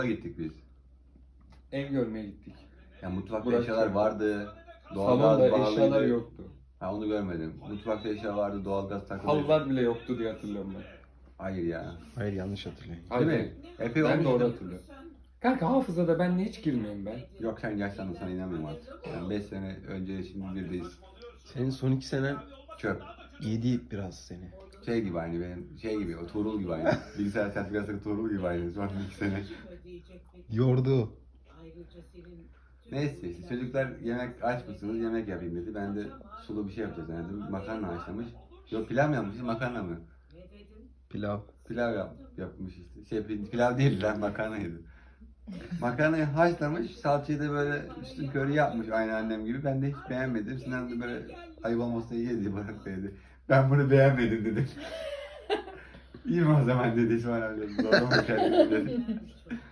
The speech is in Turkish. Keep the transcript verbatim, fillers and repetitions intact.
gittik biz. Ev görmeye gittik. Ya mutfakta Burası eşyalar çok- vardı. Doğalgaz Salonda bağlıydı. eşyalar yoktu. Ha onu görmedim. Mutfakta eşya vardı, doğalgaz takılıydı. Halılar bile yoktu diye hatırlıyorum ben. Hayır ya. Hayır yanlış hatırlıyorum. Değil Hayır. mi? Epey Ben olmuş. doğru hatırlıyorum. Kanka hafızada ben ne hiç girmeyeyim ben. Yok sen yaşlandın, sana inanmıyorum artık. Yani beş sene önce şimdi birdeyiz. Senin son iki senen Çöp. yedi biraz seni. Şey gibi aynı benim, şey gibi, o Tuğrul gibi aynı. Bilgisayar sertifikası Tuğrul gibi aynı. Son iki sene. Yordu. Neyse işte çocuklar yemek aç mısınız, yemek yapayım dedi. Ben de sulu bir şey yapacağız dedim. Makarna haşlamış. Yok pilav mı yapmış, makarna mı? Pilav. Pilav yap, yapmış işte. Şey pil- pilav değil lan, makarnaydı. Makarnayı haşlamış, salçayı da böyle üstün körü yapmış aynı annem gibi. Ben de hiç beğenmedim. Sinan da böyle ayıp olmasına yedi bırak dedi. Ben bunu beğenmedim dedi. İyi mi o zaman dedi İsmail abi. Zorlama kendini dedi.